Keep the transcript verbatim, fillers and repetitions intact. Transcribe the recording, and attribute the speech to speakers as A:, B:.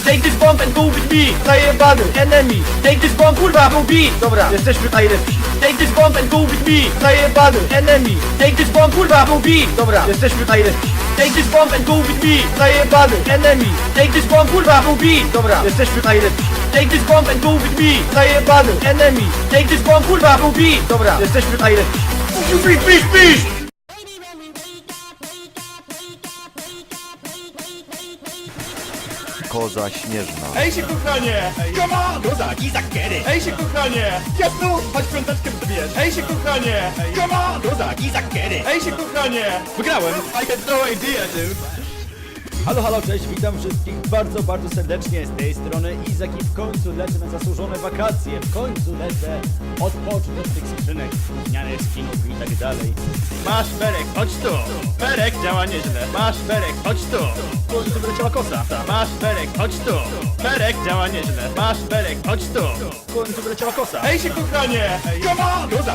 A: take this bomb and go with me. Zajebany, enemy, take this bomb, kurwa, go beat. Dobra, jesteśmy najlepsi. Take this bomb and go with me. Zajebany, enemy, take this bomb, kurwa, go beat. Dobra, jesteśmy najlepsi. Take this bomb and go with me. Zajebany, enemy, take this bomb, kurwa, go beat. Dobra, jesteśmy najlepsi. Take this bomb and go with me. Zajebany, enemy, take this bomb, kurwa, go beat. Dobra, jesteśmy najlepsi. Pisz, pisz, pisz!
B: Koza śnieżna.
C: Ej się kochanie! Come on! Kozak, Izak, get it! Ej się kochanie! Jasno! Chodź piąteczkę przybierz! Ej się kochanie! Come on! Kozak, Izak, get it! Ej się kochanie! Wygrałem! I had no idea, dude!
D: Halo, halo, cześć, witam wszystkich bardzo, bardzo serdecznie z tej strony Izak i w końcu lecę na zasłużone wakacje, w końcu lecę odpocząć od tych skrzynek, zmiany skinów i tak dalej.
C: Masz Berek, chodź tu! Berek działa nieźle! Masz Berek, chodź tu!
D: W końcu wyleciała kosa.
C: Masz Berek, chodź tu! Berek działa nieźle! Masz Berek, chodź tu!
D: W końcu wyleciała kosa.
C: Ej się kochanie! Come on! Kozak,